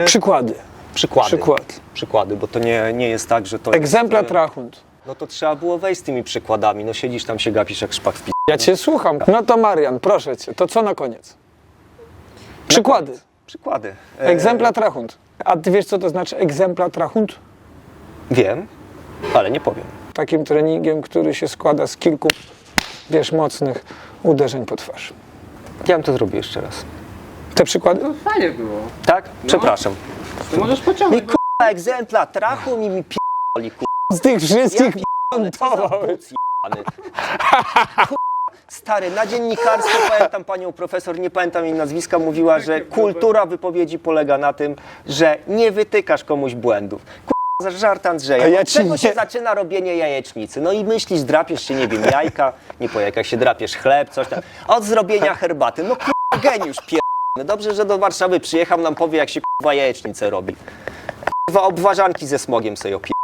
Przykłady. Przykłady, bo to nie jest tak, że to Egzemplarz jest, rachunt. no to trzeba było wejść z tymi przykładami. No siedzisz tam, się gapisz jak szpak w pi... Ja cię słucham. No to Marian, proszę cię, to co na koniec? Przykłady. Przykłady. Egzemplarz rachunt. A ty wiesz, co to znaczy egzemplarz rachunt? Wiem, ale nie powiem. Takim treningiem, który się składa z kilku, wiesz, mocnych uderzeń po twarz. Ja bym to zrobił jeszcze raz. Te przykłady? No fajnie było. Tak? Przepraszam. To możesz Mi pociągnąć. k***a egzemplarz trachu mi p***oli k***a. Z tych wszystkich Ale co za buc jebany. Stary, na dziennikarstwie pamiętam panią profesor, nie pamiętam jej nazwiska, mówiła, że kultura wypowiedzi polega na tym, że nie wytykasz komuś błędów. Za żart Andrzeja. A ja Od ci czego nie- się zaczyna robienie jajecznicy? No i myślisz, drapiesz się, nie wiem, jajka, nie po jajkach się drapiesz chleb, coś tam. Od zrobienia herbaty. No k***a, geniusz pierdolony. Dobrze, że do Warszawy przyjechał, nam powie, jak się k***a jajecznicę robi. K***a, obwarzanki ze smogiem sobie opierdolę.